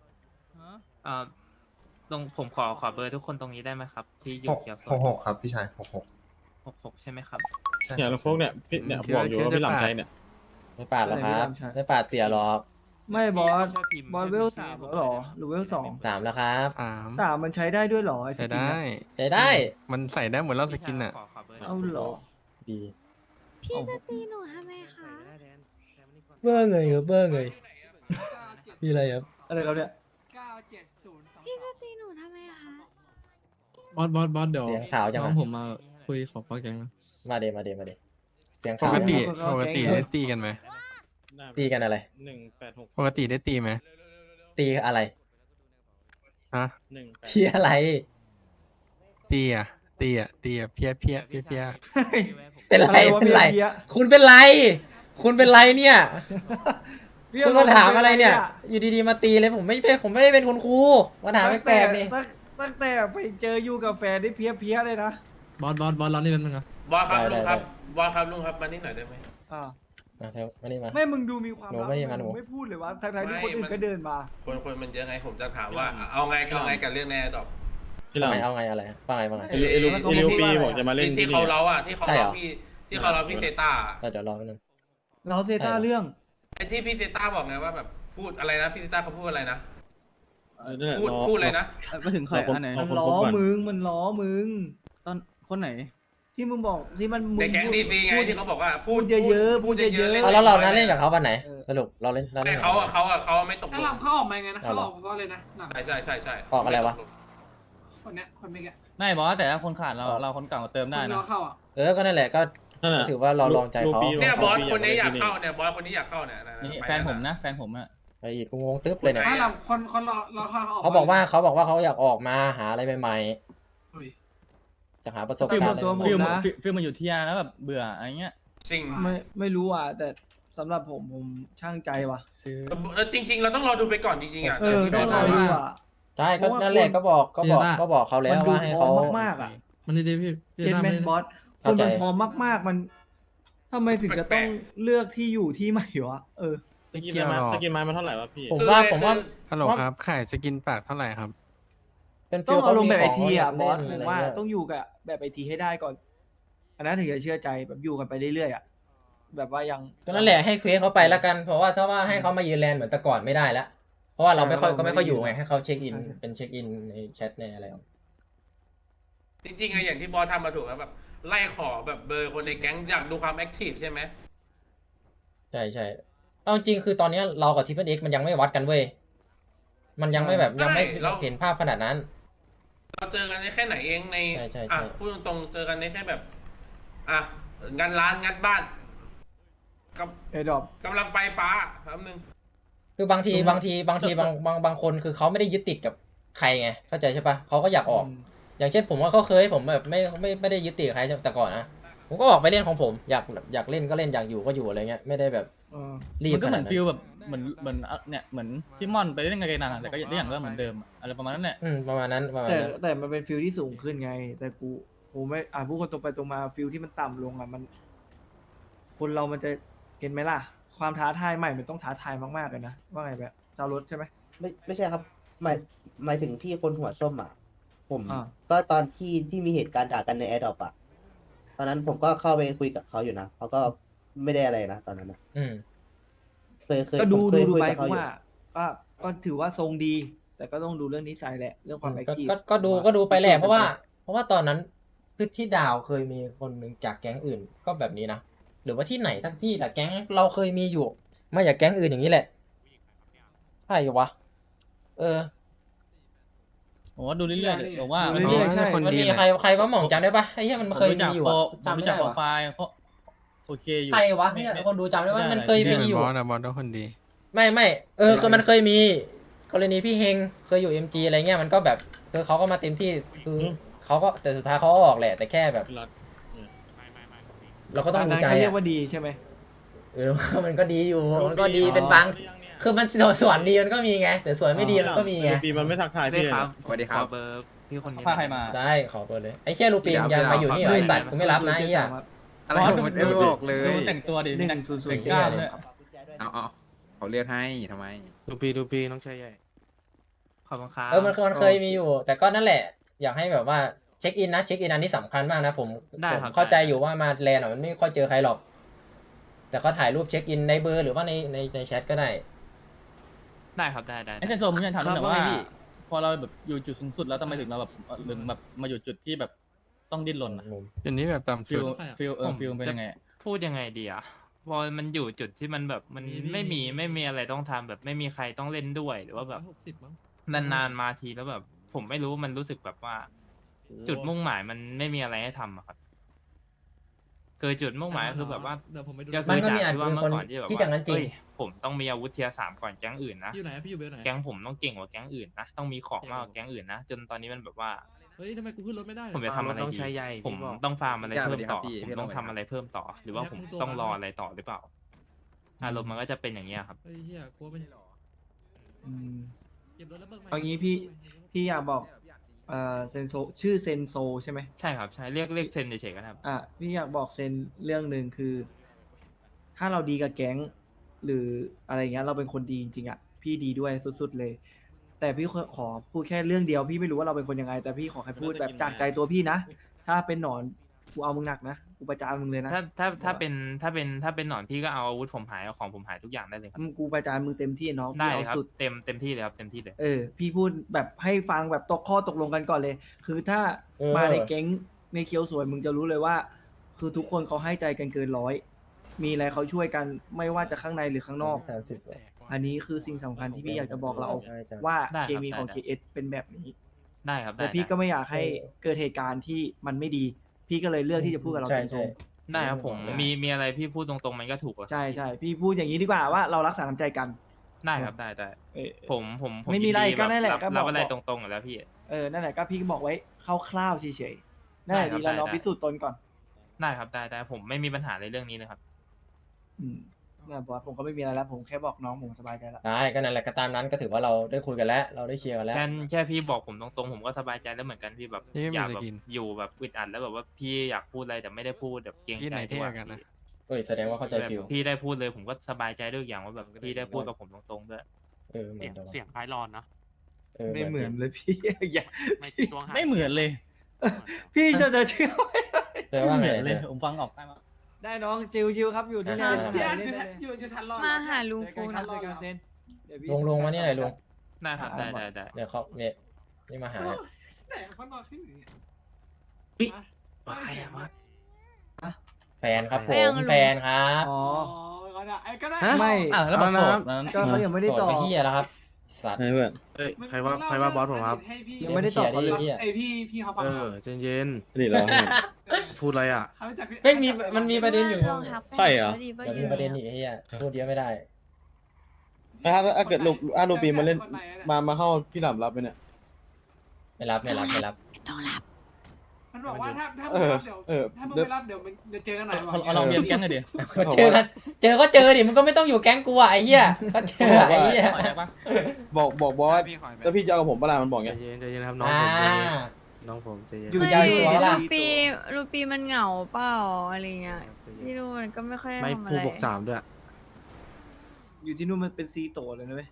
[SPEAKER 5] ตรงผมขอเบอร์ทุกคนตรงนี้ได้ไหมครับ ที่อยู่
[SPEAKER 8] หก
[SPEAKER 5] เขียวโซ
[SPEAKER 8] หกครับพี่ชาย66
[SPEAKER 5] 66ใช่ไหมครับ
[SPEAKER 8] ใช่
[SPEAKER 9] เนี่ยลุงโฟกเนี่ยพี่เนี่ยบอกอยู่ว่าพี่หลังใช้เนี่ย
[SPEAKER 3] ไม่ปาดหรอกครับไม่ปาดเสียหรอก
[SPEAKER 4] ไม่บอส
[SPEAKER 5] ช่วยพิมพ์
[SPEAKER 4] บอส
[SPEAKER 5] ช่วย
[SPEAKER 4] เวล
[SPEAKER 5] พิมพ์
[SPEAKER 4] 3แล้วเหรอหรือเวล 2
[SPEAKER 3] 3แล้วครับ
[SPEAKER 4] 3มันใช้ได้ด้วยเหรออ้
[SPEAKER 6] ใส่
[SPEAKER 4] สกิน
[SPEAKER 6] ได้
[SPEAKER 4] น่ะ
[SPEAKER 3] ใช้ได้
[SPEAKER 6] มันใส่ได้เหมือนเราสกินอ่ะ
[SPEAKER 5] ขอเบอร์
[SPEAKER 4] เอาเหรอ
[SPEAKER 3] ดี
[SPEAKER 10] พี่จะตีหนูทำไมคะ
[SPEAKER 3] เบอร์ไงครับเบอร์ไงมีอะไรครับ
[SPEAKER 4] อะไรครับเนี่ย
[SPEAKER 10] พี่จะตีหนูทำไมคะ
[SPEAKER 9] บอสเดี๋ยว
[SPEAKER 3] เสียงขาวจัง
[SPEAKER 9] น้อ
[SPEAKER 3] อะ
[SPEAKER 9] งผมมาคุยขอฟังแกงนะ
[SPEAKER 3] มาเดเสียง
[SPEAKER 6] ป
[SPEAKER 3] ขาว
[SPEAKER 6] กติ
[SPEAKER 3] จัง
[SPEAKER 6] ปกติได้ตีกันไหม
[SPEAKER 3] ตีกันอะไร
[SPEAKER 6] ปกติได้ตีไหม
[SPEAKER 3] ตีอะไร
[SPEAKER 6] ฮะ
[SPEAKER 3] ตีอะไร
[SPEAKER 6] ตีอ่ะเพี้ย
[SPEAKER 3] เป็นไร
[SPEAKER 4] อะไรวะ
[SPEAKER 3] เป็นไร
[SPEAKER 4] เพี้ย
[SPEAKER 3] คุณเป็นไร คุณเป็นไรเนี่ย
[SPEAKER 4] เพี้ย
[SPEAKER 3] คุณมาถามอะไรเนี่ย อยู่ดีๆมาตีเลยผมไม่ได้เป็นคุณครูมาถามแปลกๆนี่
[SPEAKER 4] ตั้งแต่ไปเจออยู่กับแฟนได้เพี้ยเลยนะ
[SPEAKER 9] บอสเรานี่เป็นมึงครับ
[SPEAKER 11] บอสครับ
[SPEAKER 3] ได้
[SPEAKER 11] ลุงครับ
[SPEAKER 3] ได้
[SPEAKER 11] บอสครับลุงครับมานี่หน่อยได้ไหม
[SPEAKER 4] อ่า
[SPEAKER 3] มาเถอะมานี่มา
[SPEAKER 4] ไม่มึงดูมีความ
[SPEAKER 3] หนู
[SPEAKER 4] ลับ
[SPEAKER 3] ไม่ได้มาหนู
[SPEAKER 4] งไม่พูดเลยว่าทั้งๆที่
[SPEAKER 11] ไม่
[SPEAKER 4] คนอื่
[SPEAKER 11] มัน น
[SPEAKER 4] ก็เดินมา
[SPEAKER 11] คนมันเยอะไงผมจะถามว่าเอาไงกับเรื่องแน่ดอก
[SPEAKER 9] พี่หลัง
[SPEAKER 3] เอาไงอะไรว่าไง
[SPEAKER 9] เอลิว
[SPEAKER 4] แล้วเขา
[SPEAKER 9] เอลิว
[SPEAKER 4] บอก
[SPEAKER 9] ปี
[SPEAKER 4] ว่าอะไร
[SPEAKER 9] บอกจะมาเล่น
[SPEAKER 11] ที่
[SPEAKER 9] ที่
[SPEAKER 11] เขา
[SPEAKER 9] นี่
[SPEAKER 11] เล้าอ่ะที่เขา
[SPEAKER 3] ใช่เหร
[SPEAKER 11] เล้า
[SPEAKER 3] อ
[SPEAKER 11] ที่เขาเล้าพี่เซต้า
[SPEAKER 3] เดี๋ยวรอแป๊บนึง
[SPEAKER 4] เราเซต้าเรื่อง
[SPEAKER 11] ไอ้ที่พี่เซต้าบอกไงว่าแบบพูดอะไรนะพี่เซต้าเขาพูดอะไรนะ
[SPEAKER 9] นั่นแหละ
[SPEAKER 11] พูดอะไรนะ
[SPEAKER 9] ไม่ถึงใครอันไหน
[SPEAKER 4] มันล้อมันล้อมึง
[SPEAKER 9] ตอนคนไหน
[SPEAKER 4] ที่มึงบอกที่มันมึ
[SPEAKER 11] ในแก๊งดีซีไง
[SPEAKER 4] พูด
[SPEAKER 11] ที่เขาบอกว่าพู
[SPEAKER 4] พู
[SPEAKER 11] ด
[SPEAKER 4] ดเยอะๆ
[SPEAKER 11] พูดเยอะ
[SPEAKER 4] พูดเยอะๆ
[SPEAKER 11] ๆ
[SPEAKER 3] เอาแล้วเรานั้นเล่นกับเขาวันไหน
[SPEAKER 4] เออ
[SPEAKER 3] สรุปเราเล่น
[SPEAKER 11] ไม่
[SPEAKER 3] กับ
[SPEAKER 11] เขาไม่ตกล
[SPEAKER 12] แล้ว
[SPEAKER 11] ง
[SPEAKER 12] หลังเขาออกมาไงนะ
[SPEAKER 3] เอา
[SPEAKER 12] เขา
[SPEAKER 3] เหรอ
[SPEAKER 12] ออกเพราะอะไรนะหลัง
[SPEAKER 11] ใช่
[SPEAKER 3] ออกอะไรวะ
[SPEAKER 12] คนเนี้ยคนเมื่อกี้
[SPEAKER 7] ไม่บอสแต่ถ้าคนขาดเราคนเก่าเติมได้
[SPEAKER 12] คน
[SPEAKER 7] นะ
[SPEAKER 12] รอเข้าอ่ะ
[SPEAKER 3] ก็นั่นแหละก็
[SPEAKER 9] นั่นแหละ
[SPEAKER 3] ถือว่าเราลองใจเขา
[SPEAKER 11] เนี่ยบอสคนนี้อยากเข้าเนี่ยบอสคนนี้อยากเข้าเนี่ย
[SPEAKER 7] นี่
[SPEAKER 11] ไป
[SPEAKER 7] แฟนผมนะ แฟนผมอะ
[SPEAKER 3] ไปอีกงงตึ๊บเลยเนี่ย
[SPEAKER 12] ถ้าหลังคนรอเข้าเขาออก
[SPEAKER 3] เขาบอกว่าเขาอยากออกมาหาอะไรใหม่
[SPEAKER 12] เฮ้ย
[SPEAKER 3] ๆจะหาประสบ
[SPEAKER 4] ฟิล
[SPEAKER 3] การณ์
[SPEAKER 4] หมด
[SPEAKER 3] อะไร
[SPEAKER 4] ตัว
[SPEAKER 3] ให
[SPEAKER 4] หม
[SPEAKER 3] ม่
[SPEAKER 4] ด นะ
[SPEAKER 7] ฟิลมันอยู่ที่ยาแล้วแบบเบื่ออะไรเงี้ย
[SPEAKER 11] จริง
[SPEAKER 4] ไม่รู้อ่ะแต่สำหรับผมช่างใจว่ะ
[SPEAKER 6] ซื้อ
[SPEAKER 11] จริง ๆ เราต้องรอดูไปก่อนจริงๆอ่ะ
[SPEAKER 4] ต้องรอดูอ่ะ
[SPEAKER 3] ใช่ก็นั่นแหละก็บอกเขาแล้ว
[SPEAKER 4] มันดู
[SPEAKER 3] ว่าให้
[SPEAKER 4] พร้อ
[SPEAKER 3] เขา
[SPEAKER 4] มมากๆอ่ะ
[SPEAKER 9] มันดีพี่
[SPEAKER 4] เจ็ดแมนบอสค
[SPEAKER 3] เข้าน ใจ
[SPEAKER 4] มันพร้อมมากๆมันทำไมถึงจะต้องเลือกที่อยู่ที่ใหม่วะ
[SPEAKER 9] สกินไม้มาเท่าไหร่วะพี่
[SPEAKER 3] ผมว่า
[SPEAKER 6] ฮัลโหลครับขายสกินปากเท่าไหร่ครับ
[SPEAKER 3] เป็น
[SPEAKER 4] ต้องเอาลงแบบไอทีอ่ะ
[SPEAKER 3] ขง
[SPEAKER 4] บอส
[SPEAKER 3] เล่น
[SPEAKER 4] ผมว่า
[SPEAKER 3] ะไรเงี้ย
[SPEAKER 4] ต้องอยู่กับแบบไอทีให้ได้ก่อน อันนั้นถึงจะเชื่อใจแบบอยู่กันไปเรื่อยๆอ่ะแบบว่ายัง
[SPEAKER 3] ก็นั่นแหละให้เควสเขาไปแล้วกันเพราะว่าถ้าว่าให้เขามายืนแลนเหมือนแต่ก่อนไม่ได้แล้วเพราะว่าเราไม่ค่อย
[SPEAKER 4] เรา
[SPEAKER 3] ก็ไม่ค่อยอยู่
[SPEAKER 4] ไม่
[SPEAKER 3] ไง
[SPEAKER 4] ได้
[SPEAKER 3] ให้เขาเช็คอิน
[SPEAKER 4] ใช่ใช่
[SPEAKER 3] เป็นเช็คอินในแชทในอะไร
[SPEAKER 11] จริงๆไงอย่างที่บอสทำมาถูกแล้วแบบไล่ขอแบบเบอร์คนในแก๊งอยากดูความแอคทีฟใช่ไหม
[SPEAKER 3] ใช่เอาจริงคือตอนนี้เรากับทิปเปิลเอ็กมันยังไม่วัดกันเว้ยมันยังไม่แบบยังไม่เห็นภาพขนาดนั้น
[SPEAKER 11] เราเจอกันได้แค่ไหนเองใน
[SPEAKER 3] ใช่ใช่
[SPEAKER 11] อ่ะ
[SPEAKER 3] ใช่
[SPEAKER 11] พูดตรงๆเจอกันได้แค่แบบอ่ะงัดร้านงัดบ้านกับ
[SPEAKER 4] เอดอบ
[SPEAKER 11] กำลังไปป้าแป๊บนึง
[SPEAKER 3] คือบางทีบางคนคือเขาไม่ได้ยึดติดกับใครไงเข้าใจใช่ปะเขาก็อยากออก อย่างเช่นผมว่าเขาเคยผมแบบไม่ได้ยึดติดกับใครแต่ก่อนนะผมก็ออกไปเล่นของผมอยากเล่นก็เล่นอยากอยู่ก็อยู่อะไรเงี้ยไม่ได้แบบ รีบ
[SPEAKER 7] มันก็เหมือน
[SPEAKER 3] ขนาดนั้น
[SPEAKER 7] ฟิลแบบเหมือนเนี่ยเหมือนพี่ม่อนไปเล่นกับเกนันอะแต่ก็อย่างก็เหมือนเดิมอะอะไรประมาณนั้นแหละ
[SPEAKER 3] ประมาณนั้น
[SPEAKER 4] แต่มันเป็นฟิลที่สูงขึ้นไง แต่กูไม่พูดคนตรงไปตรงมาฟิลที่มันต่ำลงอ่ะมัน คนเรามันจะเห็นไหมล่ะ ความท้าทายใหม่มันต้องท้าทายมากๆเลยนะว่าไงแบบเจ้ารถใช่ไหม
[SPEAKER 8] ไม่ใช่ครับหมายถึงพี่คนหัวส้มอ่ะผม
[SPEAKER 4] อ่า
[SPEAKER 8] ก็ตอนที่มีเหตุการณ์ด่ากันในแอร์ดรอปอ่ะตอนนั้นผมก็เข้าไปคุยกับเขาอยู่นะเขาก็ไม่ได้อะไรนะตอนนั้นนะเคย
[SPEAKER 4] ก็ดู
[SPEAKER 8] ผมเคยคุย
[SPEAKER 4] ไป
[SPEAKER 8] กับ
[SPEAKER 4] กู
[SPEAKER 8] เขาอยู่
[SPEAKER 4] ว่าก็ถือว่าทรงดี แต่ก็ต้องดูเรื่องนิสัยแหละ เรื่องความแอคทีฟ
[SPEAKER 3] ก็ดูไปแหละเพราะว่าตอนนั้นคือที่ดาวเคยมีคนหนึ่งจากแก๊งอื่นก็แบบนี้นะหรือว่าที่ไหนทั้งที่แต่แก๊งเราเคยมีอยู่มาจากแก๊งอื่นอย่างนี้แหละใช่วะ
[SPEAKER 7] ผมว่าดูเรื่อยๆผมว่า
[SPEAKER 4] ดูเรื่อยๆใช่
[SPEAKER 3] มันมีใครว่าหม่องจำได้ปะไอ้เหี้ยมันเคยมีอยู่อะ
[SPEAKER 7] จำ
[SPEAKER 3] จำไม่
[SPEAKER 7] จา
[SPEAKER 3] ได้
[SPEAKER 7] กโปร
[SPEAKER 3] วะ
[SPEAKER 7] ไฟล์เขาโอเคอยู่
[SPEAKER 3] ใครวะเนี่ยคนดูจำได้ว่ามันเคยมีอยู่
[SPEAKER 6] บอสต้องคนดี
[SPEAKER 3] ไม่คือมันเคยมีกรณีพี่เฮงเคยอยู่ MG อะไรเงี้ยมันก็แบบคือเขาก็มาเต็มที่คือเขาก็แต่สุดท้ายเขาก็ออกแหละแต่แค่แบบ เราก็ต้องดูใจ
[SPEAKER 4] เขาเรีย
[SPEAKER 3] อะ
[SPEAKER 4] กว่าดีใช่ไหม
[SPEAKER 3] มันก็ดีอยู่มันก็ดีเป็นบางคือมันส่วนดีมันก็มีไงแต่ส่วนไม่ดีมันก็มีไง
[SPEAKER 9] ปีมันไม่ทักทาย
[SPEAKER 5] ได้
[SPEAKER 9] พี่
[SPEAKER 5] ครับ
[SPEAKER 9] สวัสดีครับ
[SPEAKER 5] ขอเบอร์พี่คนนี้
[SPEAKER 7] พาใครมา
[SPEAKER 3] ได้ขอเปิดเลยไอ้เชี่ยลูปีนยังมาอยู่นี่เหรอไอ้สัตว์กูไม่รับนะไอ้เหี้ย
[SPEAKER 7] อะไรผมไม่บอกเลยดูแต่งตัวดิ
[SPEAKER 4] 100
[SPEAKER 7] แต่งกล้ามเลย
[SPEAKER 8] เอาเขาเรียกให้ทำไม
[SPEAKER 6] ดูปีน้องชายใหญ่
[SPEAKER 5] ขอบคุณครับ
[SPEAKER 3] มันเคยมีอยู่ แต่ก็นั่นแหละ อยากให้แบบว่าเช็คอินนะเช็คอินอันนี้สำคัญมากนะผมเข้าใจอยู่ว่ามาแลนด์มันไม่ค่อยเจอใครหรอก แต่ก็ถ่ายรูปเช็คอินในเบอร์หรือว่าในแชทก็ได้
[SPEAKER 5] ได้ครับได้
[SPEAKER 7] ไอ้เซนโซผมอยากถามหน่อยว่าพอเราแบบอยู่จุดสูงสุดแล้วทำไมถึงเราแบบถึงแบบมาอยู่จุดที่แบบต้องดิ้นรนอะ
[SPEAKER 6] อันนี้แบบต่ำ
[SPEAKER 7] ฟิ
[SPEAKER 6] สุ
[SPEAKER 7] ล
[SPEAKER 6] ด
[SPEAKER 7] ฟิลเป็นยังไง
[SPEAKER 5] พูดยังไงดีอ่ะพอมันอยู่จุดที่มันแบบมันไม่มีอะไรต้องทำแบบไม่มีใครต้องเล่นด้วยหรือว่าแบบนานๆมาทีแล้วแบบ ผมไม่รู้มันรู้สึกแบบว่า จุดมุ่งหมายมันไม่มีอะไรให้ทำอะครับคือจุดมุ่งหมายคือแบบว่าก็
[SPEAKER 3] มัน
[SPEAKER 5] คือ
[SPEAKER 3] ก็มี
[SPEAKER 5] จาก
[SPEAKER 3] อาจ
[SPEAKER 5] ที่ว่า
[SPEAKER 3] เป็น
[SPEAKER 5] เมื่
[SPEAKER 3] คน
[SPEAKER 5] อก่อนที่แบบ
[SPEAKER 3] ที่
[SPEAKER 5] ว่า
[SPEAKER 3] อย่างนั้นจริง
[SPEAKER 5] เอ้ยผมต้องมีอาวุธเทียร์3ก่อนแก๊งอื่นนะ
[SPEAKER 6] อยู่ไหนพี่อยู่เบลไหน
[SPEAKER 5] แก๊งผมต้องเก่งกว่าแก๊งอื่นนะต้องมีของมากกว่าแก๊งอื่นนะจนตอนนี้มันแบบว่า
[SPEAKER 6] เฮ้ยทำไมกูขึ้นรถไม่ได้
[SPEAKER 5] ผมจะทำอะไรดีผมต้องฟาร์มอะไรเพิ่มต่อผมต้องทำอะไรเพิ่มต่อ หรือว่าผมต้องรออะไรต่อหรือเปล่าอารมณ์มันก็จะเป็นอย่างเงี้ยครับ
[SPEAKER 6] เฮ้ยเฮียกลัวไม่หรอ
[SPEAKER 4] อืม
[SPEAKER 6] เก็บรถแล้วเบิก
[SPEAKER 4] เอางี้พี่อยากบอกเซนโซชื่อเซนโซใช่ไหม
[SPEAKER 5] ใช่ครับใช่เรียกเซนเฉยๆก็ได้ครับ
[SPEAKER 4] พี่อยากบอกเซนเรื่องหนึ่งคือ ถ้าเราดีกับแก๊ง หรืออะไรเงี้ยเราเป็นคนดีจริงๆอ่ะพี่ดีด้วยสุดๆเลย แต่พี่ขอพูดแค่เรื่องเดียวพี่ไม่รู้ว่าเราเป็นคนยังไง แต่พี่ขอให้พูดแบบจากใจตัวพี่นะถ้าเป็นหนอนกูเอามึงหนักนะกูประจานมึงเลยนะ
[SPEAKER 5] ถ้าเป็นหนอนพี่ก็เอาอาวุธผมหายเอาของผมหายทุกอย่างได้เลยครับ
[SPEAKER 4] กูประจานมึงเต็มที่น้อง
[SPEAKER 5] ได้
[SPEAKER 4] พี่
[SPEAKER 5] เลยครับ
[SPEAKER 4] เอาสุด
[SPEAKER 5] เต็มที่เลยครับเต็มที่เลย
[SPEAKER 4] พี่พูดแบบให้ฟังแบบข้อตกลงกันก่อนเลย คือถ้ามาในแก๊งในเคียวสวยมึงจะรู้เลยว่า คือทุกคนเขาให้ใจกันเกินร้อย มีอะไรเขาช่วยกันไม่ว่าจะข้างในหรือข้างนอก อันนี้คือสิ่งสำคัญที่พี่อยากจะบอกเราว่า
[SPEAKER 5] ได้
[SPEAKER 4] เค
[SPEAKER 5] ครับ
[SPEAKER 4] มีของ
[SPEAKER 5] ได้
[SPEAKER 4] KS เป็นแบบนี้
[SPEAKER 5] ได้ครับได้
[SPEAKER 4] แต่พี่
[SPEAKER 5] ได้
[SPEAKER 4] ก็ไม่อยากให้เกิดเหตุการณ์ที่มันไม่ดี พี่ก็เลยเลือกที่จะพูดกับเราตรง
[SPEAKER 5] ได้ครับผมมีอะไรพี่พูดตรงๆมันก็ถูกแล้ว
[SPEAKER 4] ๆใช่พี่พูดอย่างนี้ดีกว่าว่าเรารักษาน้ำใจกัน
[SPEAKER 5] ได้ครับได้
[SPEAKER 4] เออ
[SPEAKER 5] ผม
[SPEAKER 4] ไม่มีอะไร
[SPEAKER 5] ยินดี
[SPEAKER 4] ก็นั่นแหละ
[SPEAKER 5] รับ
[SPEAKER 4] ก็บอก
[SPEAKER 5] รับอะไรตรงๆอยู่แล้วพี่
[SPEAKER 4] นั่นแหละก็พี่ก็บอกไว้คร่าวๆเฉยๆนั่นแหละ
[SPEAKER 5] ได้ครับ
[SPEAKER 4] ดีแล้วเรา
[SPEAKER 5] ได้
[SPEAKER 4] พิสูจน์ตนก่อน
[SPEAKER 5] ได้ครับได้ผมไม่มีปัญหาในเรื่องนี้เลยครับ
[SPEAKER 4] นั่นบอสผมก็ไม่มีอะไรแล้วผมแค่บอกน้องผมสบายใจแล้ว
[SPEAKER 3] ได้ก็นั่นแหละก็ตามนั้นก็ถือว่าเราได้คุยกันแล้ว เราได้เคลียร์กันแล้ว
[SPEAKER 5] แค่พี่บอกผมตรงๆผมก็สบายใจแล้วเหมือนกันพี่แบบ
[SPEAKER 6] นี่ไม่
[SPEAKER 5] อยาก
[SPEAKER 6] มี
[SPEAKER 5] แบบ
[SPEAKER 6] จะกิน
[SPEAKER 5] อยู่แบบอึดอัดแล้วแบบว่าพี่อยากพูดอะไรแต่ไม่ได้พูดแบบเกรง
[SPEAKER 6] ที่
[SPEAKER 5] ใจ
[SPEAKER 6] ไหน
[SPEAKER 5] ดี
[SPEAKER 6] เท่
[SPEAKER 5] กว่า
[SPEAKER 6] กันนะ
[SPEAKER 3] แสดงว่าเข้าใจ
[SPEAKER 5] แบบ
[SPEAKER 3] ฟิล
[SPEAKER 5] พี่ได้พูดเลยผมก็สบายใจด้วยอย่างว่าแบบพี่ได้พูดกับผมตรงๆด้วย
[SPEAKER 3] เหมือนกัน
[SPEAKER 9] เสียงคล้ายรอนนะ
[SPEAKER 4] ไม่เหมือนเลยพี่ อย่า
[SPEAKER 7] ไม่เหมือนเลย
[SPEAKER 4] พี่จะเชื่อไม่ได้
[SPEAKER 3] แต่ว่าไง
[SPEAKER 7] เหมือนเลย
[SPEAKER 3] เนี่ย
[SPEAKER 7] ผมฟังออกได้มั้ย
[SPEAKER 4] ได้น้องชิวๆครับอยู่ที่นี่
[SPEAKER 12] อยู่ทันรอด
[SPEAKER 10] มาหาลุง
[SPEAKER 4] เจอ
[SPEAKER 10] ฟู
[SPEAKER 4] กันครั
[SPEAKER 10] นะ
[SPEAKER 4] บเจอกันเซนเดี๋ยวพี่
[SPEAKER 3] ลงมานี่หน่อยลุง
[SPEAKER 5] ได้ครับได้
[SPEAKER 3] เดี๋ยวเขาเนี่ยนี่มาหา
[SPEAKER 12] แต่เขานอนขึ้นอย่างเงี้ย
[SPEAKER 8] ว่าใครอะวะ
[SPEAKER 3] แฟนครับผ
[SPEAKER 10] แฟน
[SPEAKER 3] ม
[SPEAKER 10] ลุง
[SPEAKER 3] แฟนครับ
[SPEAKER 4] อ๋อ
[SPEAKER 12] ก็ได้ก็ได้
[SPEAKER 4] ไม่
[SPEAKER 7] แล้วบอกโสดนั้น
[SPEAKER 4] ก็เขายังไม่ได้
[SPEAKER 3] โสด
[SPEAKER 4] ต่อ
[SPEAKER 3] ไปเฮียแล้วครับสัตว์
[SPEAKER 9] เพื่อน
[SPEAKER 12] เอ้ยใครว่าบอสผมครับ
[SPEAKER 4] ยังไม่ได้ตอบเขาเลย
[SPEAKER 3] หี้
[SPEAKER 12] ไอพี่เขาฟัง
[SPEAKER 9] ใจเย็น
[SPEAKER 2] นี่เหรอ
[SPEAKER 9] พูดอะไรอ่ะ
[SPEAKER 12] เขารู้จักพี่
[SPEAKER 3] ไม่มีมันมีประเด็นอยู่
[SPEAKER 10] ลองทัก
[SPEAKER 2] ใช่เหรอ
[SPEAKER 10] ไปดีว่า
[SPEAKER 3] มัน
[SPEAKER 10] อยู่
[SPEAKER 3] มีประเด็นอีกไอ้เหี้ยพูดเยอะไม่ได้
[SPEAKER 9] ถ้าเกิดลูปีมาเล่น
[SPEAKER 12] คไหอะ
[SPEAKER 9] มาเข้าพี่หลับรับไปเนี่ย
[SPEAKER 3] ไม่รับ
[SPEAKER 10] ไม่ต้องรับ
[SPEAKER 12] มันบอกว่าถ้ามึ
[SPEAKER 9] เอง อ
[SPEAKER 12] รับเดี๋ยว
[SPEAKER 9] เออ
[SPEAKER 12] ถ้ามึงไม่รับเดี๋ยวเจอกันหน่อย
[SPEAKER 7] เอาลองเรียนแก๊งหน่อยดิ
[SPEAKER 3] เจอกันก็เจอดิมันก็ไม่ต้องอยู่แก๊งกูอ่ะไอ้เหี้ยก็เจอไอ้เหี้ย
[SPEAKER 7] ขอแจ็คปะ
[SPEAKER 9] บอกบอสแล้วพี่จะเอากับผมปะล่ะมันบอกไง
[SPEAKER 8] ใจเย็นครับ
[SPEAKER 3] อ่า
[SPEAKER 8] น้องผมใจเย็น
[SPEAKER 3] อยู่
[SPEAKER 10] ไม่
[SPEAKER 3] ยาวตัวล่ะ
[SPEAKER 10] รูปีมันเหงาเปล่าอะไรเงี้ยพี่ดูมันก็ไม่ค่อยได้
[SPEAKER 8] ไม่
[SPEAKER 10] ทำอะ
[SPEAKER 8] พูด
[SPEAKER 10] ไร
[SPEAKER 8] บวก3ด้วย
[SPEAKER 4] อยู่ที่นู่นมันเป็นซีโตเลยนะเว้ย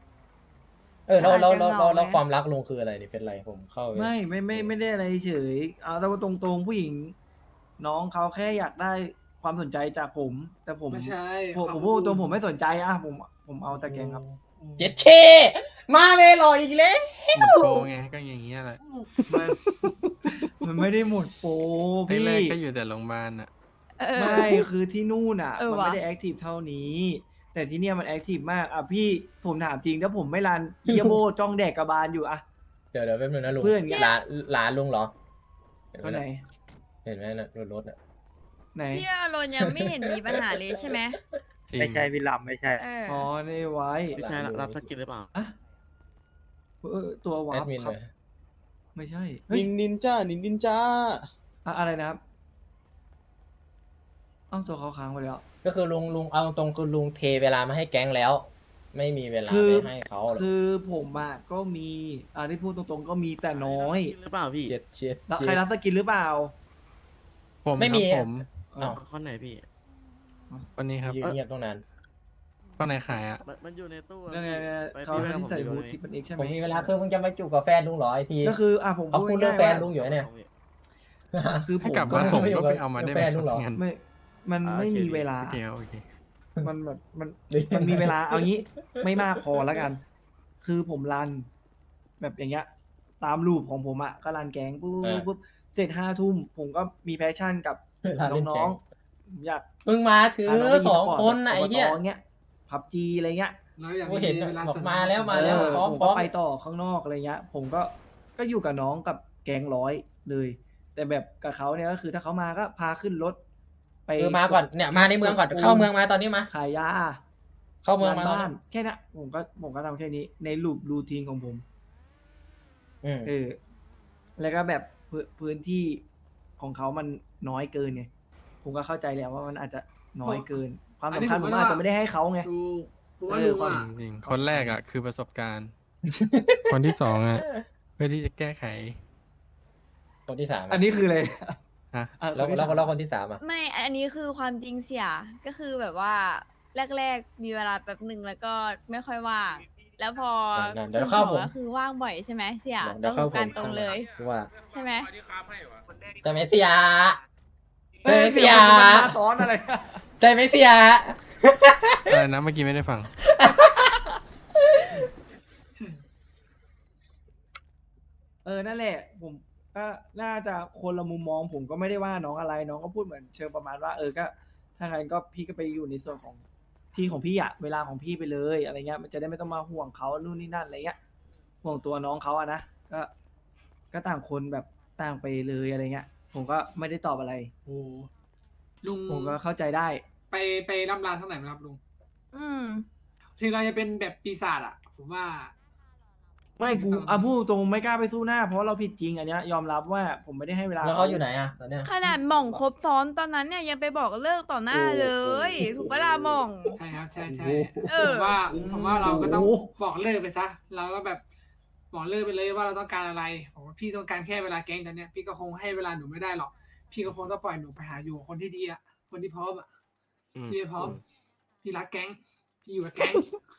[SPEAKER 3] แล้วความรักลุงคืออะไรนี่เป็นไรผมเข้าไป
[SPEAKER 4] ไม่ได้อะไรเฉยเอาแต่ว่าตรงๆผู้หญิง น้องเขาแค่อยากได้ความสนใจจากผม แต่ผม
[SPEAKER 12] ไม่ใช่
[SPEAKER 4] ผมพูดตรงผมไม่สนใจอ่ะผมเอาแต่แกงครับ
[SPEAKER 3] เจ็ดเคมาเมลอยอีกแล้ว
[SPEAKER 6] หมดโปรไงก็อย่างเงี้ยแหละ
[SPEAKER 4] มันไม่ได้หมดโปรพี่
[SPEAKER 6] แรกๆก็อยู่แต่โรงพยาบาลอ่ะ
[SPEAKER 4] ไม่คือที่นู่นอ่ะ
[SPEAKER 10] เออ
[SPEAKER 4] มัน
[SPEAKER 10] ว่ะ
[SPEAKER 4] ไม่ได้แอคทีฟเท่านี้ แต่ที่เนี่ยมันแอคทีฟมากอ่ะพี่ผมถามจริงถ้าผมไม่รันเอียโบจ้องแดกกระบาลอยู่อ่ะ
[SPEAKER 3] เดี๋ยวแป๊บนึงนะลุง
[SPEAKER 4] เพื่อนไง
[SPEAKER 3] หลานลุงเหรอ
[SPEAKER 4] เขาไหน
[SPEAKER 3] เห็นไหมนะรถอ่ะ
[SPEAKER 4] ไหน
[SPEAKER 10] พี่อารอนยังไม่เห็นมีปัญหาเลยใช่ไหม
[SPEAKER 6] ไม่ใช่พี่ล
[SPEAKER 10] เออ
[SPEAKER 4] อ๋อนี่ไว้
[SPEAKER 8] ไม่ใช่รับสกินหรือเปล่า
[SPEAKER 4] อะตัววา
[SPEAKER 3] แอ
[SPEAKER 4] ร์
[SPEAKER 3] ด
[SPEAKER 4] ป
[SPEAKER 3] มิน
[SPEAKER 4] ครั
[SPEAKER 3] เล
[SPEAKER 4] บ
[SPEAKER 3] ย
[SPEAKER 4] ไม่ใช่เฮ้ย
[SPEAKER 9] นินจ้า
[SPEAKER 4] อะไรนะครับเอ้าตัวเขาค้างไปแล้ว
[SPEAKER 3] ก็คือลุงเอาตรงคือลุงเทเวลามาให้แก๊งแล้ว ไม่มีเวลา
[SPEAKER 4] คือ
[SPEAKER 3] ไปให้เขาหรอก
[SPEAKER 4] คือผมอ่ะก็มีที่พูดตรงๆก็มีแต่น้อย
[SPEAKER 8] หรือเปล่าพี่
[SPEAKER 3] เจ็ด
[SPEAKER 4] แล้วใครรับสกินหรือเปล่า
[SPEAKER 6] ผม
[SPEAKER 3] ไม่
[SPEAKER 6] ค
[SPEAKER 3] มี
[SPEAKER 6] รับผม
[SPEAKER 3] อ้าว
[SPEAKER 8] ข้อไหนพี่
[SPEAKER 6] วันนี้ครับ
[SPEAKER 3] ยืนเงียบตรงนั้น
[SPEAKER 6] ข้างในขายอ่ะ
[SPEAKER 8] มันอยู่ในตู้อะ
[SPEAKER 4] นั่นไง
[SPEAKER 8] ไป
[SPEAKER 4] เขา
[SPEAKER 8] พี่
[SPEAKER 4] ที่ใส่
[SPEAKER 8] ไป
[SPEAKER 4] บู
[SPEAKER 8] กับ
[SPEAKER 4] ท
[SPEAKER 8] ผม
[SPEAKER 4] ที่เป็นเอกใช่ไห
[SPEAKER 3] ผม มมีเวลาคือมึงจะมาจูบกับแฟนลุงเหรอไอที
[SPEAKER 4] ก็คือผม
[SPEAKER 3] เอาพูดเรื่องแฟนลุงอยู่เนี่ย
[SPEAKER 4] คือผ
[SPEAKER 6] ให้
[SPEAKER 4] ม
[SPEAKER 6] กลับ
[SPEAKER 4] ก็
[SPEAKER 6] มาส่ง
[SPEAKER 3] ไม่อยู่
[SPEAKER 6] ก็
[SPEAKER 3] กับ
[SPEAKER 6] ไปเอามาได้ไหม
[SPEAKER 3] แฟนลูกเหรอ
[SPEAKER 6] งั้น
[SPEAKER 4] มันไม่มีเวลา
[SPEAKER 6] โอเคโอเค
[SPEAKER 4] มันแบบมันมีเวลาเอางี้ ไม่มากพอแล้วกัน คือผมรัน แบบอย่างเงี้ย ตามรูปของผมอ่ะก็รันแก๊งปุ๊บเสร็จ5 ทุ่มผมก็มีแพชชั่นกับ
[SPEAKER 3] เวลาเล่น
[SPEAKER 4] น้
[SPEAKER 3] แก๊
[SPEAKER 4] อง
[SPEAKER 3] ง
[SPEAKER 4] ๆอยาก
[SPEAKER 3] มึงมาถือ
[SPEAKER 4] พาน้ไป
[SPEAKER 3] สอง
[SPEAKER 4] สปร์ต
[SPEAKER 3] คนน่ะไอ้เหี้ย
[SPEAKER 4] อบตเงี้ยพับจีอะไรเงี้ย
[SPEAKER 12] แล้วอย่าง
[SPEAKER 3] กูเห็น
[SPEAKER 12] เวลา
[SPEAKER 3] บอก
[SPEAKER 12] จัด
[SPEAKER 3] มาแล้วมาแล้ว
[SPEAKER 4] เออ
[SPEAKER 3] พร้อม
[SPEAKER 4] ผม
[SPEAKER 3] พร้
[SPEAKER 4] ก็
[SPEAKER 3] อม
[SPEAKER 4] ไปต่อข้างนอกอะไรเงี้ย ผมก็อยู่กับน้องกับแก๊ง100เลย แต่แบบกับเขาเนี่ยก็คือถ้าเขามาก็พาขึ้นรถ ไป
[SPEAKER 3] คือมาก่อนเนี่ยมาในเมืองก่อนเข้าเมืองมาตอนนี้มา
[SPEAKER 4] ขายยา
[SPEAKER 3] เข้าเมืองมา
[SPEAKER 4] บ้านแค่นั้นผมก็ทำแค่นี้ในรูทีนของผม
[SPEAKER 3] อืม
[SPEAKER 4] แล้วก็แบบพื้นที่ของเขามันน้อยเกินไงผมก็เข้าใจแล้วว่ามันอาจจะน้อยเกิน ความสำคัญผมอาจจะไม่ได้ให้เขาไง
[SPEAKER 12] ดูผมว่า
[SPEAKER 4] เออ
[SPEAKER 12] ลุง
[SPEAKER 4] ความ
[SPEAKER 12] อ่ะ
[SPEAKER 6] จริงๆคนแรกอ่ะคือประสบการณ์ คนที่สองอ่ะเพื่อที่จะแก้ไข
[SPEAKER 3] คนที่สาม
[SPEAKER 4] อันนี้คืออะไร
[SPEAKER 6] ฮะ
[SPEAKER 4] อ่ะ
[SPEAKER 3] แล้ว
[SPEAKER 4] คนที่
[SPEAKER 3] แล้ว
[SPEAKER 4] สาม
[SPEAKER 3] แล้วคนที่สามอ่ะ
[SPEAKER 10] ไม่ อันนี้คือความจริงเสีย ก็คือแบบว่าแรกๆมีเวลาแป๊บหนึ่งแล้วก็ไม่ค่อยว่าง แล้วพอ
[SPEAKER 3] นั่นๆเดี๋ยวเข้าผม
[SPEAKER 10] ก็คือว่างบ่อยใช่ไหมเสีย
[SPEAKER 3] เดี๋ยวเข้าผม
[SPEAKER 10] การตรงเลย
[SPEAKER 3] ว่า
[SPEAKER 10] ใช่ไหม
[SPEAKER 11] ที่ค้าให้วะ
[SPEAKER 3] ใจไหมเสีย
[SPEAKER 4] เฮ้ย
[SPEAKER 3] เสีย
[SPEAKER 4] มันมาซ้อนอะไร
[SPEAKER 3] ใจไหมเสีย
[SPEAKER 6] อะไรนะเมื่อกี้ไม่ได้ฟัง
[SPEAKER 4] นั่นแหละ ผมก็น่าจะคนละมุมมองผมก็ไม่ได้ว่าน้องอะไรน้องก็พูดเหมือนเชิงประมาณว่าก็ถ้างั้นก็พี่ก็ไปอยู่ในส่วนของที่ของพี่อะเวลาของพี่ไปเลยอะไรเงี้ยมันจะได้ไม่ต้องมาห่วงเขานู่นนี่นั่นอะไรเงี้ยห่วงตัวน้องเขาอะนะก็ต่างคนแบบต่างไปเลยอะไรเงี้ยผมก็ไม่ได้ตอบอะไร
[SPEAKER 12] โอ้ลุง
[SPEAKER 4] ผมก็เข้าใจได้
[SPEAKER 12] ไปร่ำลาเท่าไหร่ไหมครับลุง
[SPEAKER 10] อืม
[SPEAKER 12] ถึงเราจะเป็นแบบปีศาจอ่ะ ผมว่า
[SPEAKER 4] ไม่กูพูดตรงไม่กล้าไปสู้หน้า เพราะเราผิดจริงอันเนี้ยยอมรับว่าผมไม่ได้ให้เวลา
[SPEAKER 3] แล้วเขาอยู่ไหนอ่ะตอนเนี้ย
[SPEAKER 10] ขนาดหม่องครบซ้อนตอนนั้นเนี่ยยังไปบอกเลิกต่อหน้าเลย ถูกปะล่ะหม่อง
[SPEAKER 12] ใช่ครับ ใช่ใช่
[SPEAKER 10] เออ
[SPEAKER 12] ผมว่าเราก็ต้องบอกเลิกไปซะ เราก็แบบบอกเลิกไปเลยว่าเราต้องการอะไรผมว่าพี่ต้องการแค่เวลาแก๊งตอนเนี้ยพี่ก็คงให้เวลาหนูไม่ได้หรอก พี่ก็คงต้องปล่อยหนูไปหาอยู่กับคนที่ดีอ่ะ คนที่พร้อมอ่ะ พี่ไม่พร้อม พี่รักแก๊ง พี่อยู่กับแก๊ง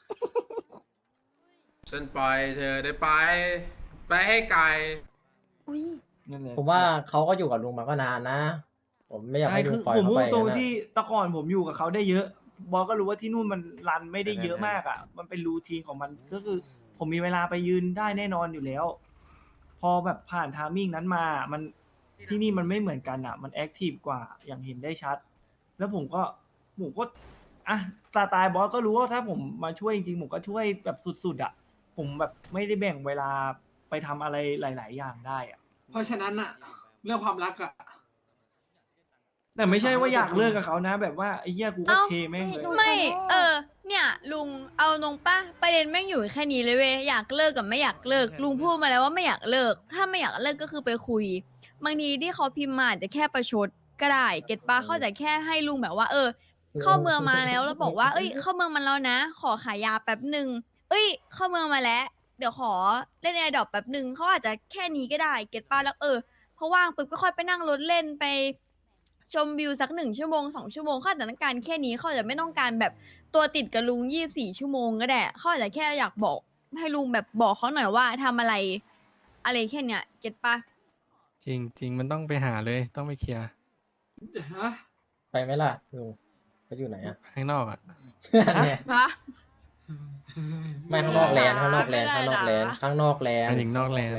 [SPEAKER 11] ฉันปล่อยเธอได้ไปให้ไกล
[SPEAKER 10] อุ้ย
[SPEAKER 4] นั่นแหละ
[SPEAKER 3] ผมว่าเขาก็อยู่กับลุงมาก็นานนะ ผมไม่อยาก
[SPEAKER 4] ใช่
[SPEAKER 3] ให้ลุ
[SPEAKER 4] คื
[SPEAKER 3] ง
[SPEAKER 4] อ
[SPEAKER 3] ปล่อย
[SPEAKER 4] ผม
[SPEAKER 3] เขา
[SPEAKER 4] พู
[SPEAKER 3] ไป
[SPEAKER 4] ดตรง
[SPEAKER 3] นะ
[SPEAKER 4] ที่แตะก่อนผมอยู่กับเขาได้เยอะบอสก็รู้ว่าที่นู่นมันรันไม่ได้เยอะมากอ่ะ มันเป็นรูทีนของมันก็คือ ผมมีเวลาไปยืนได้แน่นอนอยู่แล้ว พอแบบผ่านทามมิ่งนั้นมามันที่นี่มันไม่เหมือนกันอ่ะ มันแอคทีฟกว่าอย่างเห็นได้ชัด แล้วผมก็สไตล์บอสก็รู้ว่าถ้าผมมาช่วยจริงๆผมก็ช่วยแบบสุดๆอ่ะผมแบบไม่ได้แบ่งเวลาไปทำอะไรหลาย ๆ อย่างได้อะ
[SPEAKER 12] เพราะฉะนั้นอะเรื่องความรักอะ
[SPEAKER 4] แต่ไม่ใช่ว่าอยากเลิกกับเขานะ แบบว่าไอ้เหี้ยกูก็
[SPEAKER 10] เอ้า
[SPEAKER 4] เทแม่งเลย
[SPEAKER 10] ไม่ เนี่ยลุงเอาตรงป่ะประเด็นแม่งอยู่แค่นี้เลยเว้ยอยากเลิกกับไม่อยากเลิกลุงพูดมาแล้วว่าไม่อยากเลิก ถ้าไม่อยากเลิกก็คือไปคุยบางทีที่เขาพิมพ์มาอาจจะแค่ประชดก็ได้เก็ตป้าเขาจะแค่ให้ลุงแบบว่า เข้าเมืองมาแล้วบอกว่า เอ้ยเข้าเมืองมาแล้วนะ ขอขายยาแป๊บหนึ่งเอ้ย เข้าเมืองมาแล้ว เดี๋ยวขอเล่นแอร์ดรอปแป๊บหนึ่งเขาอาจจะแค่นี้ก็ได้เก็ตป้าแล้วเพราะว่างปุ๊บก็ค่อยไปนั่งรถเล่นไปชมวิวสัก1 ชั่วโมง 2 ชั่วโมงเขาอาจจะต้องการแค่นี้เขาอาจจะไม่ต้องการแบบตัวติดกับลุง24 ชั่วโมงก็ได้เขาอาจจะแค่อยากบอกให้ลุงแบบบอกเขาหน่อยว่าทำอะไรแค่เนี้ยเก็ตปะ
[SPEAKER 6] จริงจริงมันต้องไปหาเลยต้องไปเคลียร์
[SPEAKER 12] ฮะ
[SPEAKER 3] ไปไหมล่ะลุงเขาอยู่ไหนอะ
[SPEAKER 6] ข้างนอกอ่ะ
[SPEAKER 3] เนี่ย
[SPEAKER 10] ฮะ
[SPEAKER 3] ไม่ข้างนอกแลนด์ข้างนอกแลนด์ข้างนอกแลนด์ข้างนอกแลน
[SPEAKER 6] หมาย
[SPEAKER 3] ด์
[SPEAKER 6] ถึงนอกแลนด์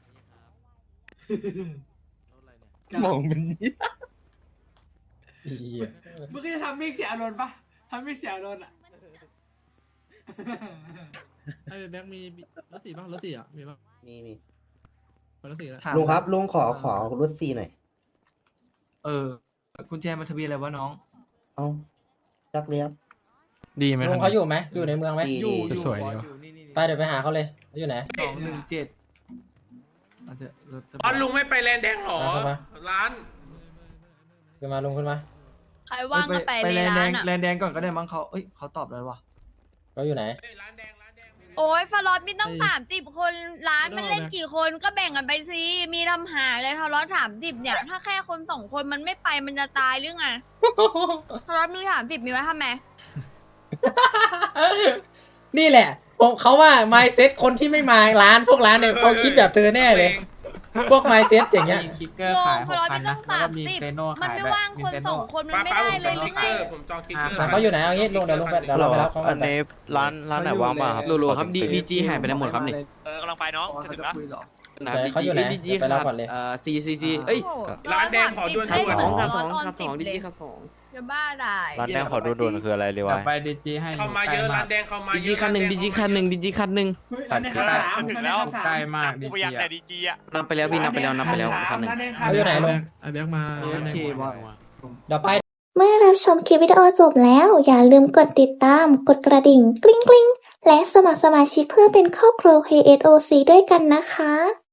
[SPEAKER 9] มองเป็นเหี้ย
[SPEAKER 3] เหี้ย
[SPEAKER 12] มึงก็จะทำไม่เสียอารมณ์ปะทำไม่เสียอารมณ์อะ
[SPEAKER 9] ไอ้แบ็คมีรถสีบ้างรถสีอ่ะมีบ้าง
[SPEAKER 8] มี
[SPEAKER 9] รถสีแล้ว
[SPEAKER 4] ถาม
[SPEAKER 8] ลุงครับลุงขอรถซีหน่อย
[SPEAKER 4] กุญแจมาทะเบียนอะไรวะน้อง
[SPEAKER 8] เอ้าจักเรียบ
[SPEAKER 6] ดีไหม
[SPEAKER 3] ลุงเขาอยู่ไหมอยู่ในเมืองไหม
[SPEAKER 8] ดี
[SPEAKER 4] อยู่
[SPEAKER 6] สวยดี
[SPEAKER 4] บ
[SPEAKER 6] วะ
[SPEAKER 4] อยู่นี่
[SPEAKER 3] ไปเดี๋ยวไปหาเขาเลยเขาอยู่ไหน
[SPEAKER 4] 217อาจจะรถทะเบียน
[SPEAKER 11] อ๋อลุงไม่ไปแลนด์แดงหรอ
[SPEAKER 3] เข้ามา
[SPEAKER 11] ร้าน
[SPEAKER 3] ขึ้นมาลุงขึ้นมา
[SPEAKER 10] ใครว่างก็ไป
[SPEAKER 4] ไป
[SPEAKER 10] เลย
[SPEAKER 4] แลนด์แด
[SPEAKER 10] ร้าง นอ่ะ
[SPEAKER 4] แลนด์แดงก่อนก็ได้มั้งเขาเขาตอบแล้ววะ
[SPEAKER 3] เขาอยู่ไหน
[SPEAKER 11] ร้านแดง
[SPEAKER 10] โอ้ยฟลอตไม่ต้อง30 คนร้านมันเล่นกี่คนก็แบ่งกันไปสิมีทำหาเลยทะเลาะ30เนี่ย ถ้าแค่คน2 คนมันไม่ไปมันจะตายหรือไงทะเลาะมี30มีไว้ทำไม
[SPEAKER 3] นี่แหละผมเขาว่า mindset คนที่ไม่มาร้านพวกร้านเนี่ยเขาคิดแบบเธอแน่เลย พวก mindset อย่างเงี้ย
[SPEAKER 10] คิกเกอร์ขาย6 คันนะแล้วก็มีเซโน่ขายแบบมันไม่ว่างคน2 คนมัน
[SPEAKER 11] ป้า
[SPEAKER 10] ไม่
[SPEAKER 11] ป้า
[SPEAKER 10] ได้
[SPEAKER 11] ผม
[SPEAKER 10] เล
[SPEAKER 11] จอย ง
[SPEAKER 10] หรื
[SPEAKER 11] คิ
[SPEAKER 10] อก ไง
[SPEAKER 11] เกอร์ผมจองคิกเกอร์
[SPEAKER 3] เขาอยู่ไหนเอางี้ลุงเดี๋ยวลุงไปเดี๋ยวเราไปรับเขากั
[SPEAKER 2] อั
[SPEAKER 3] น
[SPEAKER 2] นนี้ร้านไหนว่างบ้างครับ
[SPEAKER 4] รู้
[SPEAKER 7] ครับดีจีหายไปไหนหมดครับนี่
[SPEAKER 4] กำลังไปน้องจะถึงแล้ว
[SPEAKER 3] เขาอยู่ไหนไปรับก่อนเลย
[SPEAKER 7] ซีเอ้ย
[SPEAKER 11] ร้านแดงขอด่วน
[SPEAKER 10] เอ้ย
[SPEAKER 11] ด่วน
[SPEAKER 10] สอง
[SPEAKER 7] ครับ
[SPEAKER 10] ร้อย
[SPEAKER 7] 2
[SPEAKER 10] ตอน
[SPEAKER 7] ครับ
[SPEAKER 10] 10
[SPEAKER 7] 2ดี
[SPEAKER 10] เลย
[SPEAKER 7] จีครับ2
[SPEAKER 10] จะบ้าได้
[SPEAKER 2] ร้านแดงขอดูด่วนคืออะไรเลยวะ
[SPEAKER 7] ไปดีจีให้
[SPEAKER 11] เข้ามาเยอะร้านแดงเข้ามา
[SPEAKER 7] ดี
[SPEAKER 11] เย
[SPEAKER 7] จี
[SPEAKER 11] อะ
[SPEAKER 7] คันหนึ่งดีจีคันหนึ่งดีจีคันหนึ่ง
[SPEAKER 12] เฮ้ยร้านแดงข้าวสามร้านแดงข้าวสาม
[SPEAKER 7] ใกล้มากดีจีนับไปแล้วพี่นับไปแล้วคันหนึ่ง
[SPEAKER 12] ร้านแดงข้าว
[SPEAKER 3] เขาอยู่ไหนลุง
[SPEAKER 9] ไอ้แบ็คมา
[SPEAKER 4] โอเคบอย
[SPEAKER 3] เดี๋ยวไป
[SPEAKER 1] เมื่อรับชมคลิปวิดีโอจบแล้ว อย่าลืมกดติดตาม กดกระดิ่งกริ๊งกริ๊งและสมัครสมาชิกเพื่อเป็นครอบครัว KSOC ด้วยกันนะคะ